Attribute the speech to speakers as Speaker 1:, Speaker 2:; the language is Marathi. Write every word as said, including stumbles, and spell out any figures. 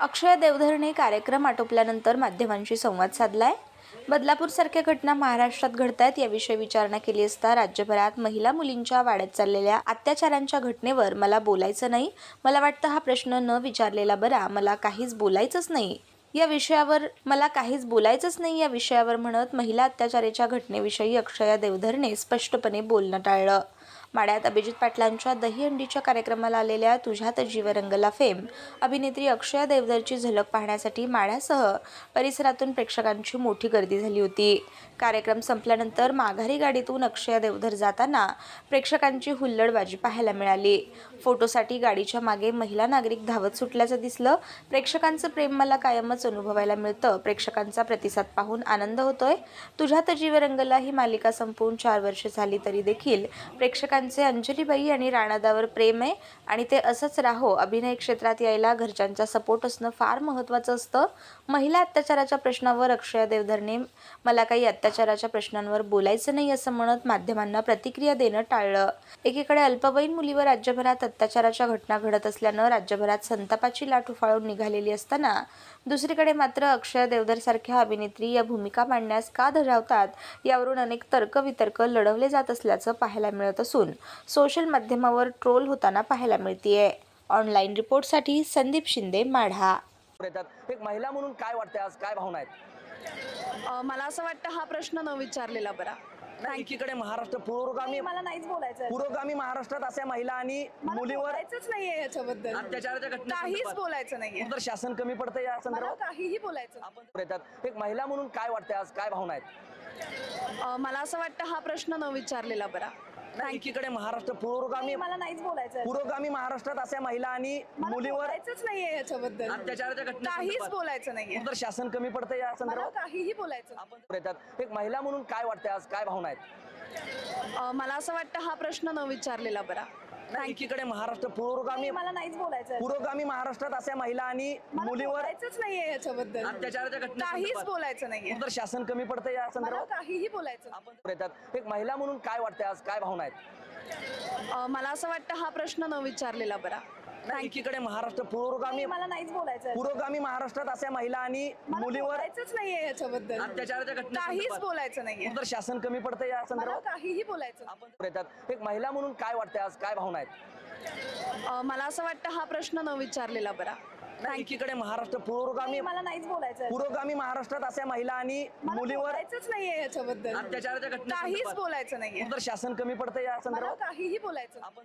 Speaker 1: अक्षय देवधरने कार्यक्रम आटोपल्यानंतर माध्यमांशी संवाद साधलाय. बदलापूरसारख्या घटना महाराष्ट्रात घडतायत याविषयी विचारणा केली असता राज्यभरात महिला मुलींच्या वाढत चाललेल्या अत्याचारांच्या घटनेवर मला बोलायचं नाही, मला वाटतं हा प्रश्न न विचारलेला बरा, मला काहीच बोलायचंच नाही या विषयावर मला काहीच बोलायचंच नाही या विषयावर म्हणत महिला अत्याचाराच्या घटनेविषयी अक्षय देवधरने स्पष्टपणे बोलणं टाळलं. माढ्यात अभिजित पाटलांच्या दहीहंडीच्या कार्यक्रमाला आलेल्या तुझ्यात जीव रंगला फेम अभिनेत्री अक्षय देवधरची झलक पाहण्यासाठी माढ्यासह परिसरातून प्रेक्षकांची मोठी गर्दी झाली होती. कार्यक्रम संपल्यानंतर माघारी गाडीतून अक्षय देवधर जाताना प्रेक्षकांची हुल्लडबाजी पाहायला मिळाली. फोटोसाठी गाडीच्या मागे महिला नागरिक धावत सुटल्याचं दिसलं. प्रेक्षकांचं प्रेम मला कायमच अनुभवायला मिळतं. प्रेक्षकांचा प्रतिसाद पाहून आनंद होतोय. तुझ्यात जीव रंगला ही मालिका संपवून चार वर्ष झाली तरी देखील प्रेक्षकांचे अंजलीबाई आणि राणादावर प्रेम आहे आणि ते असंच राहो. अभिनय क्षेत्रात यायला घरच्यांचा सपोर्ट असणं फार महत्त्वाचं असतं. महिला अत्याचाराच्या प्रश्नावर अक्षय देवधरने मला काही अत्याचाराच्या प्रश्नांवर बोलायचं नाही असं म्हणत माध्यमांना प्रतिक्रिया देणं टाळलं. एकीकडे अल्पवयीन मुलीवर राज्यभरात अत्याचाराच्या घटना घडत असल्यानं राज्यभरात संतापाची लाट उफाळून निघालेली असताना दुसरीकडे मात्र अक्षय देवधरसारख्या अभिनेत्री या भूमिका मांडण्यास का धजावतात यावरून अनेक तर्कवितर्क लढवले जात असल्याचं पाहायला मिळत असून सोशल माध्यमावर ट्रोल होताना पाहायला मिळतेय. ऑनलाईन रिपोर्टसाठी संदीप शिंदे, माढा.
Speaker 2: एक महिला म्हणून काय वाटतंय, आज काय भावना आहेत?
Speaker 3: अ, मला असं वाटतं हा प्रश्न न विचारलेला बरा.
Speaker 2: नाही, एकीकडे महाराष्ट्र पुरोगामी
Speaker 3: मला नाहीच बोलायचं
Speaker 2: पुरोगामी महाराष्ट्रात अशा महिला आणि मुलीवर
Speaker 3: बोलायचंच नाहीये याच्याबद्दल.
Speaker 2: अत्याचाराच्या घटना
Speaker 3: काहीच बोलायचं नाहीये.
Speaker 2: तर शासन कमी पडतं या
Speaker 3: मला
Speaker 2: संदर्भात
Speaker 3: काहीही बोलायचं नाही.
Speaker 2: आपण येतात. एक महिला म्हणून काय वाटतंय, आज काय भावना आहेत?
Speaker 3: अ, मला असं वाटतं हा प्रश्न न विचारलेला बरा.
Speaker 2: नाही, एकीकडे महाराष्ट्र पुरोगामी
Speaker 3: मला नाहीच बोलायचं.
Speaker 2: पुरोगामी महाराष्ट्रात अशा महिला आणि मुलीवर
Speaker 3: बोलायचंच नाहीये याच्याबद्दल.
Speaker 2: अत्याचाराच्या घटना
Speaker 3: काहीच बोलायचं नाहीये.
Speaker 2: तर शासन कमी पडतं या
Speaker 3: मला
Speaker 2: संदर्भात
Speaker 3: काहीही बोलायचं नाही.
Speaker 2: आपण येतात. एक महिला म्हणून काय वाटतंय, आज काय भावना आहेत?
Speaker 3: अ, मला असं वाटतं हा प्रश्न न विचारलेला बरा.
Speaker 2: नाही, एकीकडे महाराष्ट्र पुरोगामी
Speaker 3: मला नाहीच बोलायचं.
Speaker 2: पुरोगामी महाराष्ट्रात अशा महिला आणि मुलीवर
Speaker 3: बोलायचंच नाहीये याच्याबद्दल.
Speaker 2: अत्याचाराच्या घटना
Speaker 3: काहीच बोलायचं नाहीये.
Speaker 2: तर शासन कमी पडतं या
Speaker 3: मला
Speaker 2: संदर्भात
Speaker 3: काहीही बोलायचं नाही.
Speaker 2: आपण येतात. एक महिला म्हणून काय वाटतंय, आज काय भावना आहेत?
Speaker 3: अ, मला असं वाटतं हा प्रश्न न विचारलेला बरा.
Speaker 2: नाही, एकीकडे महाराष्ट्र पुरोगामी
Speaker 3: मला नाहीच बोलायचं.
Speaker 2: पुरोगामी महाराष्ट्रात अशा महिला आणि मुलीवर
Speaker 3: बोलायचंच नाहीये याच्याबद्दल.
Speaker 2: अत्याचाराच्या घटना
Speaker 3: काहीच बोलायचं नाहीये.
Speaker 2: तर शासन कमी पडतं या
Speaker 3: मला
Speaker 2: संदर्भात
Speaker 3: काहीही बोलायचं नाही.
Speaker 2: आपण येतात. एक महिला म्हणून काय वाटतंय, आज काय भावना आहेत?
Speaker 3: अ, मला असं वाटतं हा प्रश्न न विचारलेला बरा.
Speaker 2: नाही, एकीकडे महाराष्ट्र पुरोगामी
Speaker 3: मला नाहीच बोलायचं.
Speaker 2: पुरोगामी महाराष्ट्रात अशा महिला आणि मुलीवर
Speaker 3: बोलायचंच नाहीये याच्याबद्दल.
Speaker 2: अत्याचाराच्या घटना
Speaker 3: काहीच बोलायचं नाहीये.
Speaker 2: तर शासन कमी पडतं या
Speaker 3: मला
Speaker 2: संदर्भात
Speaker 3: काहीही बोलायचं नाही.
Speaker 2: आपण